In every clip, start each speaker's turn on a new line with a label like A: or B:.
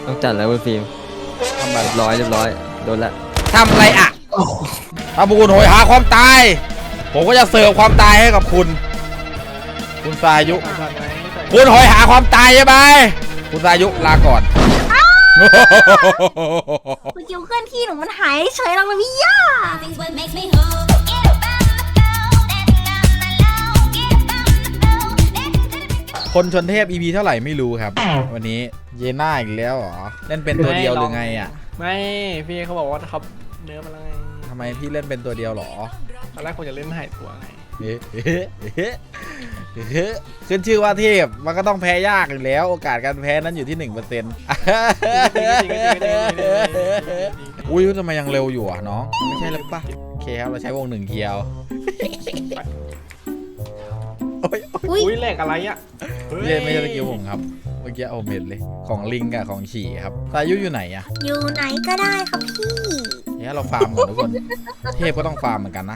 A: ต้องจัดแล้วคุณฟิล์ม
B: ทำไม
A: เรียบร้อยโดนละ
B: ทำอะไรอ่ะถ้าคุณโหยหาความตายผมก็จะเสิร์ฟความตายให้กับคุณสายุคุณโหยหาความตายใช่ไหมคุณสายุลาก่อน
C: เมื่อกี้เคลื่อนที่หนูมันหายเฉยแล้วนะพี่ย่า
B: คนชนเทพ EP เท่าไหร่ไม่รู้ครับวันนี้เยน่าอีกแล้วเหรอเล่นเป็นตัวเดียวหรือไงอ่ะ
D: ไม่พี่เขาบอกว่าเขาเนื้อมาแล้วไง
B: ทำไมพี่เล่นเป็นตัวเดียวหรอ
D: ตอนแรกผมจะเล่นหายตัวไง
B: ขึ้นชื่อว่าเทพมันก็ต้องแพ้ยากอยู่แล้วโอกาสการแพ้นั้นอยู่ที่ 1% อุ้ยทำไมยังเร็วอยู่อ่ะน้องไม่ใช่เลยป่ะโอเคครับเราใช้วง1เกียว
D: อุ้ยแหลกอะไรอ่ะ
B: ไม่ใช่สกิลผมครับเมื่อกี้ผมเห็นเลยของลิงกับของฉี่ครับสายุอยู่ไหนอ่ะ
C: อยู่ไหนก็ได้ครับพี่
B: เนี่ยเราฟาร์มก่อนทุกคนเทพก็ต้องฟาร์มเหมือนกันนะ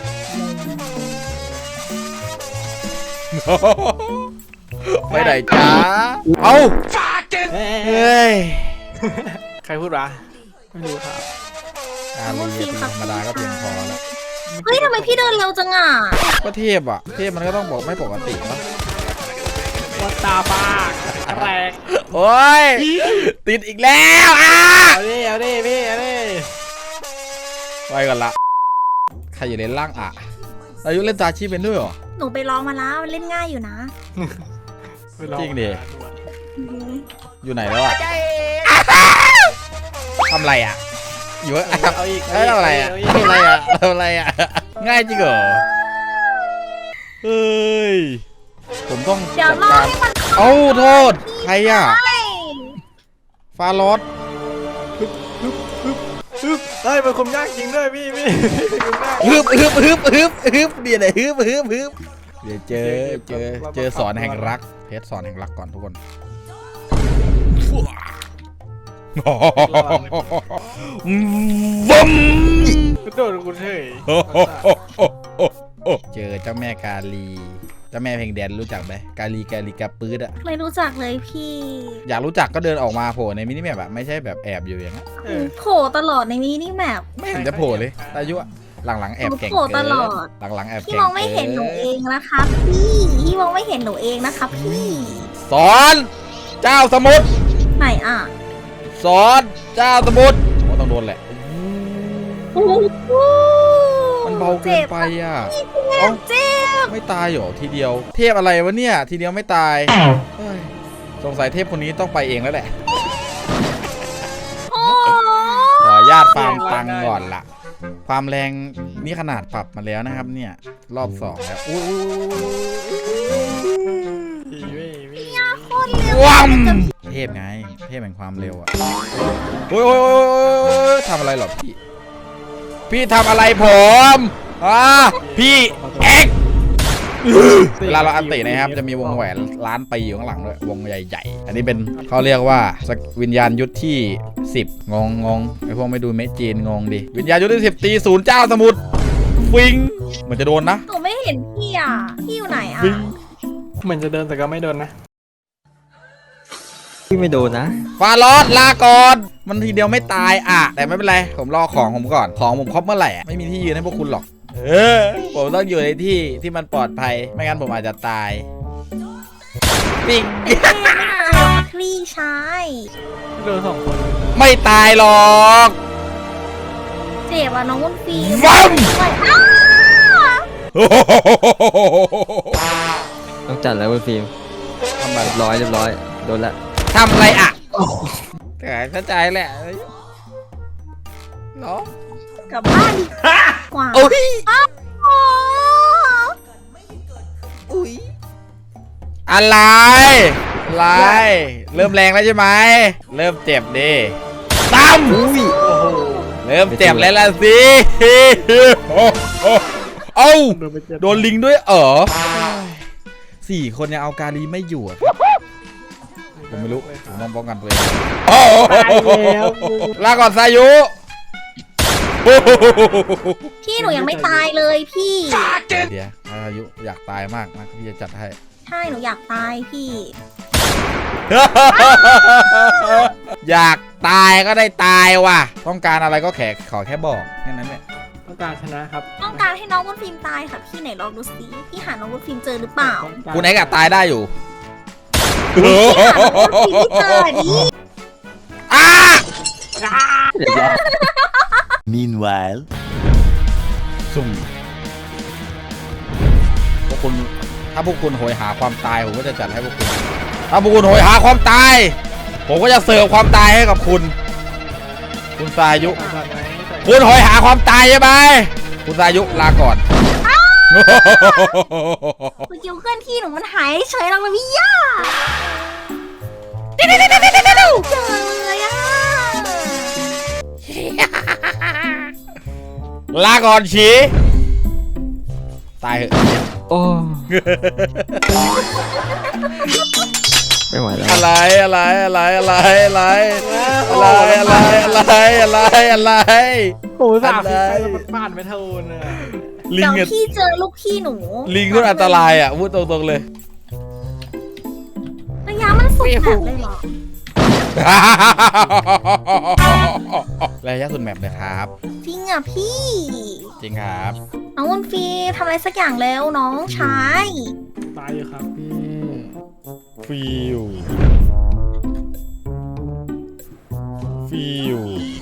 B: ไปไหนจ้าเอาเฮ้ย
D: ใครพูดวะไม่รู้ครับ
B: ลีธรรมดาก็เพียงพอแล้ว
C: เฮ้ยทำไมพี่เดินเร็วจังอ่ะ
B: ก็เทพอ่ะเทพมันก็ต้องบอกไม่ปกติปะ
D: วัดตาบ้าแรง
B: โอ้ยติดอีกแล้วอ่ะ
D: เอาดิพี่เอาดิ
B: ไปก่อนละใครอยู่ในล่างอ่ะอายุเล่นตาชีเป็นด้วยเหรอ
C: หนูไปลองมาแล้วมันเล่นง่ายอยู่นะ
B: จริงดิอยู่ไหนแล้วอ่ะทำอะไรอ่ะอยู่เอาอีกทำอะไรอ่ะง่ายจริงเหรอเฮ้ยผมต้อง
C: จัดการ
B: เอ้าโทษใครอ่ะฟาโรส
D: ได้เป็นคนยากจริงด้วยพี่
B: ฮึบเดี๋ยวเดี๋ยวเจอสอนแห่งรักเพชรสอนแห่งรักก่อนทุกคนวัม
D: โดนกูเฉย
B: เจอเจ้าแม่กาลีเจ้าแม่เพลงแดนรู้จักไหมกาลีกาปื๊ดอะ
C: ไม่รู้จักเลยพี่
B: อยากรู้จักก็เดินออกมาโผล่ในมินิแมปอะไม่ใช่แบบแอบอยู่อย่างนั้น
C: โผล่ตลอดในมินิแมป
B: ไม่เห็นจะโผล่เลยอายุหลังแอบแก่ง
C: โผล่ตลอด
B: หลังแอบ
C: พี่มองไม่เห็นหนูเองนะครับพี่มองไม่เห็นหนูเองนะครับพี่
B: สอนเจ้าสมุทร
C: ไหนอ่ะ
B: สอนเจ้าสมุทรต้องโดนแหละมันเบาเกินไปอ่ะ
C: เจ็บ
B: ไม่ตายหรอทีเดียวเทพอะไรวะเนี่ยทีเดียวไม่ตายสงสัยเทพคนนี้ต้องไปเองแล้วแหละขอญาติฟาร์มตังก่อนล่ะความแรงนี่ขนาดปรับมาแล้วนะครับเนี่ยรอบ2แล้วว้ามเทพไงเทพแห่งความเร็วอ่ะโอ้ยทำอะไรหรอพี่ทำอะไรผมพี่เอ็กเวลาเราอันตินะครับจะมีวงแหวนล้านปีอยู่ข้างหลังด้วยวงใหญ่ๆอันนี้เป็นเขาเรียกว่าวิญญาณยุทธที่10งงไอพวกไม่ดูเมจีนงงดิวิญญาณยุทธที่10ตี0เจ้าสมุทรฟิงมันจะโดนนะ
C: หนูไม่เห็นพี่อ่ะพี่อยู่ไหนอ่ะ
D: เหมือนจะเดินแต่ก็ไม่โดนนะ
A: พี่ไม่โดนนะ
B: ฟาโรสลาก่อนมันทีเดียวไม่ตายอ่ะแต่ไม่เป็นไรผมรอของผมก่อนของผมครบเมื่อไหร่ไม่มีที่ยืนให้พวกคุณหรอกผมต้องอยู่ในที่ที่มันปลอดภัยไม่งั้นผมอาจจะตายปิ๊ง
C: พี่ชาย
D: โดน2 คน
B: ไม่ตายหรอก
C: เจ็บอ่ะน้องวุ้นฟี
A: ต้องจัดแล้วคุณฟิล์ม
B: ทำไม
A: เรียบร้อยโดนละ
B: ทำอะไรอ่ะแต่เข้าใจแหละเนาะ
C: กลับบ้านกว่า
B: อุ้ยอะไรเริ่มแรงแล้วใช่ไหมเริ่มเจ็บดิตั้มเริ่มเจ็บแล้วล่ะสิเอ้าโดนลิงด้วย4 คนยังเอากาลีไม่อยู่ผมไม่รู้ผมต้องป้องกันตัวเองลาก่อนสายุ
C: พี่หนูยังไม่ตายเลยพี่
B: เดี๋ยวสายุอยากตายมากนะพี่จะจัดให้
C: ใช่หนูอยากตายพี่
B: อยากตายก็ได้ตายว่ะต้องการอะไรก็ขอแค่บอกแค่นั้นแหละ
D: ต้องการชนะครับ
C: ต้องการให้น้องวุ้นฟิล์มตายค่ะพี่ไหนลองดูสิพี่หาน้องวุ้นฟิล์มเจอหรือเปล่า
B: คุณไอ้กะตายได้อยู่
C: พี่หาน้องวุ้นฟิล์มไม่เจอดิ
B: อ้า
A: เรียบร้อย
E: Meanwhile.
B: ซุ่มพวกคุณถ้าพวกคุณโหยหาความตายผมก็จะจัดให้พวกคุณถ้าพวกคุณโหยหาความตายผมก็จะเสิร์ฟความตายให้กับคุณคุณสายุ
D: ก่อนไหม
B: คุณโหยหาความตายใช่ไหมคุณสายุลาก่อน
C: สกิลเคลื่อนที่หนูมันหายเฉยแล้วพี่ย่าเจอเลยอ่ะ
B: ลาก่อนฉีตายเหอะ
A: โอ้ไม่ไหวแล้ว
B: อะไรอะไรอะไรอะไรอะไรอะไรอะไรอะไรอะไร
D: โอ้โหสามสิบไปแล้วมันผ่านไม่เท่าน่ะ
B: ลิง
C: เดี๋ยว
B: อะ
C: พี่เจอลูกพี่หนู
B: ลิงก็อันตรายอ่ะพูดตรงๆเลย
C: ระยะมันสุดแบบเลยเหรอ
B: ระยะสุดแมปเลยครับ
C: จริงอ่ะพี่
B: จริงครับ
C: น้องวุ้นฟิล์มทำอะไรสักอย่างแล้วน้องชาย
D: ตายอยู่ครับพี่
B: ฟิว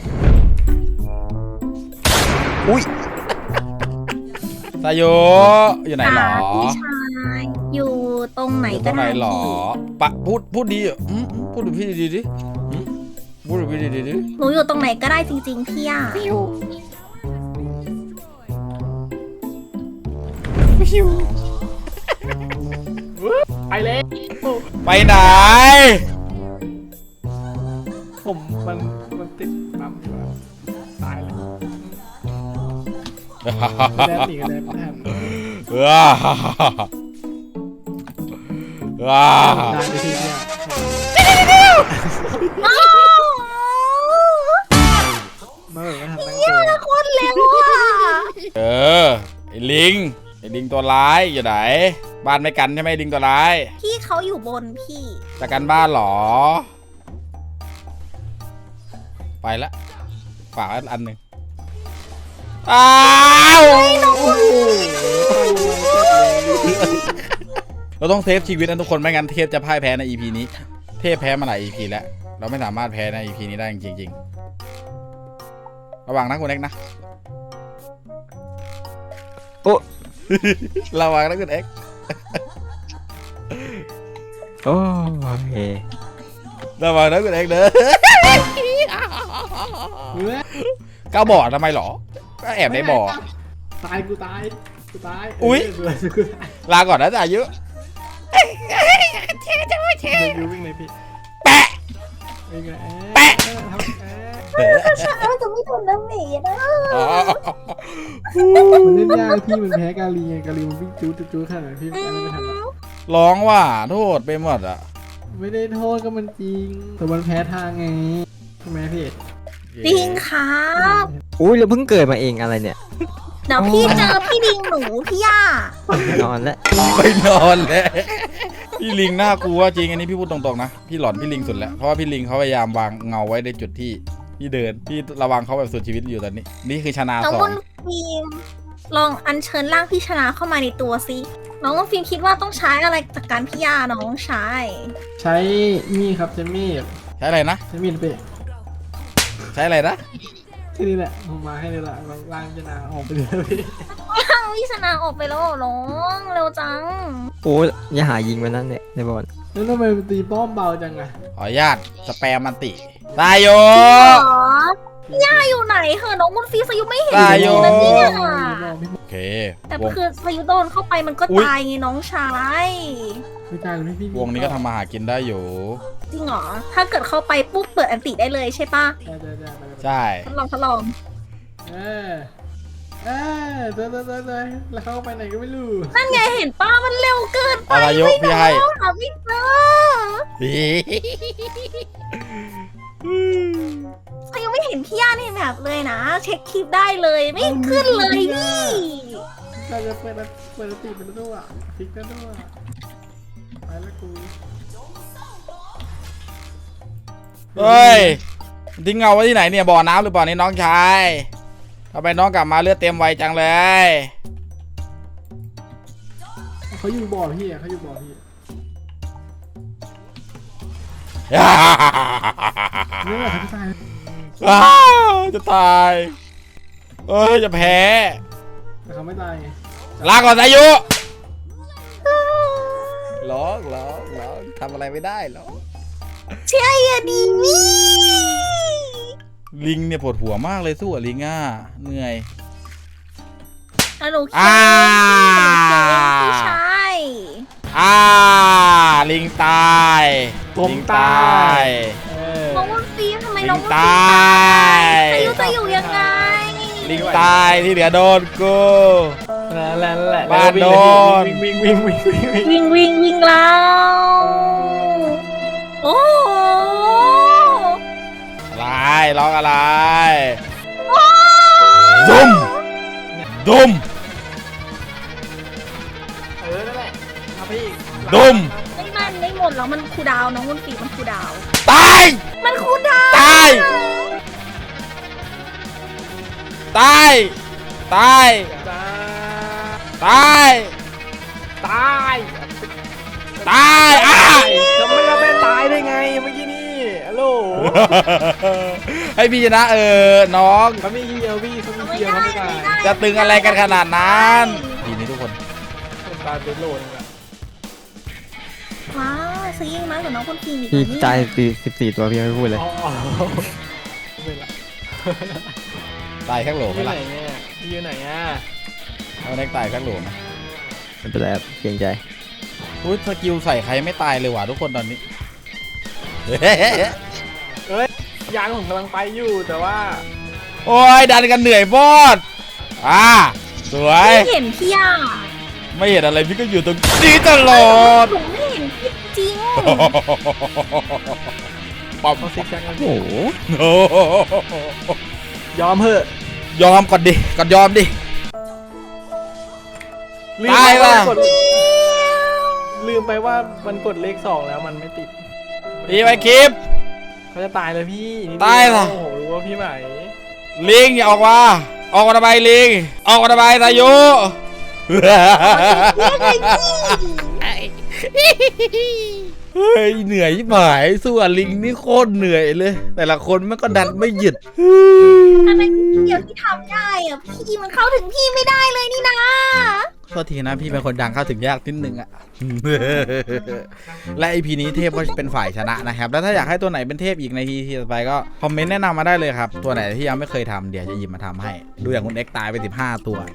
B: อุ้ยสายโยอยู่ไหนหรอ
C: พี่ชายอยู่ตรงไหน
B: อยู่ต
C: ก็
B: รงไหน
C: ได้
B: หรอ
C: พี่
B: ปะพูดดีอ่ะพูดกับพี่ดีดิพูดกับพี่ดีดิ
C: หนูอยู่ตรงไหนก็ได้จริงๆพี่อ่ะ
D: ไปเลย
B: ไปไหน
D: ผมมันติดปั๊มอยู่อะตายเลยแดนอีกแล้วแดน
B: ว้าว้า
D: นานไปทีเนี่ย
C: อ้าว
D: เมื่อไหร่ก็ทำตั้ง
C: พี่
D: ตัว
C: ละคนเร็วอ่ะ
B: ไอ้ลิงตัวร้ายอยู่ไหนบ้านไม่กันใช่ไหมลิงตัวร้าย
C: พี่เขาอยู่บนพี่
B: จะกันบ้านเหรอ ไปละฝากอันหนึ่งอ้าวเราต้องเซฟชีวิตนะทุกคนไม่งั้นเทพจะพ่ายแพ้ใน EP นี้เทพแพ้มาหลาย EP แล้วเราไม่สามารถแพ้ใน EP นี้ได้จริงๆระวังนะคุณเอ็กนะ
A: โอ้
B: ระวังนะคุณเอ็ก
A: โอ้เค
B: ระวังนะคุณเอ็กเด้อ ก้าวบ่อทำไมหรอก็แอบในบ่อ
D: ตายกูตาย
B: อุ๊ย
D: กูตาย
B: ลาก่อนนะจ่ายุ
D: ยูวิ่งเลยพี่
B: แปะ
D: วิ่งเลย
B: แปะ
C: ช้าจะไม่โดนน้ำหนีนะ
D: มันเล่นยากพี่มันแพ้กาลีไงกาลีมันวิ่งจู๊ขนาดนั้นพี่มันไม่ทัน
B: ร้องว่าโทษไปหมดอ่ะ
D: ไม่ได้โทษก็มันจริงแต่มันแพ้ทางไงใช่ไหมพี่
C: จริงครับ
A: อุ้ยเราเพิ่งเกิดมาเองอะไรเนี่ย
C: เดี๋ยวพี่เจอพี่ดิงหนูพี่ย่าน
A: อนแล้ว
B: ไปนอนแล้วพี่ลิงน่ากลัวจริงอันนี้พี่พูดตรงๆนะพี่หลอนพี่ลิงสุดแล้วเพราะว่าพี่ลิงเขาพยายามวางเงาไว้ในจุดที่พี่เดินพี่ระวังเขาแบบสุดชีวิตอยู่ตอนนี้นี่คือชนะ
C: น้อง
B: สอ
C: วุ้
B: ง
C: นฟิล์มลองอัญเชิญร่างพี่ชนะเข้ามาในตัวสิน้องวุ้นฟิล์มคิดว่าต้องใช้อะไรจากการพี่ย่าน้องชาย
D: ใช้มีดครับใช้มีด
B: ใช้อะไรนะ
D: ใช้มีดไป
B: ใช้อะไรนะ
D: แค่นี้แหละผมมาให้เลยละล่างจะนาออกไปเลยพี่
C: ร่างพี่ชนะออกไปแล้วเหรอน้องเร็วจัง
A: โอ้ยอย่าหายิงมันนั่นเนี่ยในบอล
D: แล้วทำไมมันตีป้อมเบาจังอะ
B: ขออนุญาตสแปมมันติตายโย
C: หรอพี่ย่าอยู่ไหนเหรอน้องวุ้นฟิล์มสยุไม่เห็น
B: ตายโย
C: นะเนี่ย
B: โอเค
C: แต่
B: วง
C: คือพายุโดนเข้าไปมันก็
B: อุ๊ย
C: ตายไงน้องชาย
D: ไม่ตายเลยพี่
B: วงนี้ก็ทำมาหากินได้อยู่
C: จริงเหรอถ้าเกิดเข้าไปปุ๊บเปิดอันติได้เลยใช่ปะ
B: ใช่
C: ทดลอง
D: เดินแล้วเข้าไปไหนก็ไม่รู้
C: นั่นไงเห็นป้ามันเร็วเกินไป
B: อะไรโยพี่ให้
C: น้องหาไม่เจอเขายังไม่เห็นพี่ย่าในแบบเลยนะ เช็คคลิปได้เลยไม่ขึ้นเลยพี่
D: เราจะเปิดตีเป็นตัวพลิกเป็นตัว ไปแล้วกู
B: เฮ้ยทิ้งเงาไว้ที่ไหนเนี่ยบ่อน้ำหรือบ่อนี้น้องชายทำไมน้องกลับมาเลือดเต็มไวจังเลย
D: เขาอยู่บ่อพี่อะเขาอยู่บ่อพี่เนี่ยเขาจะตาย
B: จะตายจะแพ้
D: แต่เขาไม่ตายไง
B: ลาก่อนอายุร้องทำอะไรไม่ได้หรอก
C: เชื่ออย่าดีนี่
B: ลิงเนี่ยปวดหัวมากเลยสู้กับลิงอ่ะเหนื่อย
C: แล้วหนูคิดว่าพี่ชาย
B: ลิงตายลิงตาย
C: น้องวันฟิล์มทำไมน้องวัน
B: ลิง
C: ฟิล์ม
B: ตา
C: ตาย
B: ย
C: อายุจะอยู่ยังไง
B: ลิงตายที่เหลือโดนกู
D: นั่นแหละ
B: บ้านโดน
D: วิ่ง
C: วิ่งแล้วโอ้
B: อะไรร้องอะไรดุม
D: นั่นแหละครับพี่
B: ดุม
C: ไม่หมดแล้วมันคูลดาวน์น้องวันฟิล์มมันคูลดาวน์
B: ตาย
C: มันคูลดาวน์
B: ตายตายตาย
D: จ้า
B: ตาย
D: ตาย
B: ตาย
D: จะไม่ตายได้ไงเมื่อกี้นี่ฮัลโหล
B: ให้พี่ชนะน้อง
D: เขามีเดียวพี่เขามี
C: ไม่
D: เดียว
C: ได้
D: เขาไม่ตาย
C: ไม่ได้
B: จะตึงอะไรกันขนาดนั้นทีนี้ทุกคน
D: ตายเป็นโหลนึงอะ
C: ว้าวซื้อยิงมากกว่าน้องคนฟิล์มอีก
A: พี่
C: นี่
A: ตาย14 ตัวพี่ไม่พูดเลย
D: อ๋อไม่ละ
B: ตายข้างโหล
D: พี่
B: ไหม
D: อยู่ไหน
B: ล่ะ
D: เนี่ยพี่อยู่ไหนอ่ะ
B: เอาเน็กตายข้างโหลไหม
A: ไม่เป็นไรครับเกรงใจ
B: อุ้ยสกิลใส่ใครไม่ตายเลยว่ะทุกคนตอนนี้
D: ยางผมกำลังไปอยู่แต่ว่า
B: โอ้ยดันกันเหนื่อยบอดสวย
C: ไม่เห็นพี่อ่ะ
B: ไม่เห็นอะไรพี่ก็อยู่ตรงนี้ตลอด
C: ผมไม่เห็นพี่จริง
B: ปั๊ม
D: เขาซิกแซกกัน
A: โอ้โห
D: ยอมเถอะ
B: ยอมก่อนดิก่อนยอมดิ
D: ลืม
B: ตาย
D: ไป
B: ว่ะ
D: ลืมไปว่ามันกดเลข2แล้วมันไม่ติด
B: พี่ไปคลิป
D: เขาจะตายเลยพี่นิดเดีว
B: ตายเหรอ
D: โอ้โหรู้ว่าพี่ไหม
B: ลิงอย่าออกมาทำไมลิงออกมาทำไมทายุ เฮ้ยเหนื่อยชิบหายสู้กับลิงนี่โคตรเหนื่อยเลย แต่ละคนมันก็ดันไม่หยุด
C: ทำไมพี่เดียวที่ทำได้อ่ะพี่มันเข้าถึงพี่ไม่ได้เลยนี่นะ
B: โทษทีนะพี่เป็นคนดังเข้าถึงยากนิดนึงอะ และ EP นี้เทพก็เป็นฝ่ายชนะนะครับแล้วถ้าอยากให้ตัวไหนเป็นเทพอีกใน EP ต่อไปก็คอมเมนต์แนะนำมาได้เลยครับตัวไหนที่ยังไม่เคยทำเดี๋ยวจะหยิบมาทำให้ดูอย่างคุณเอ็กตายไป15 ตัว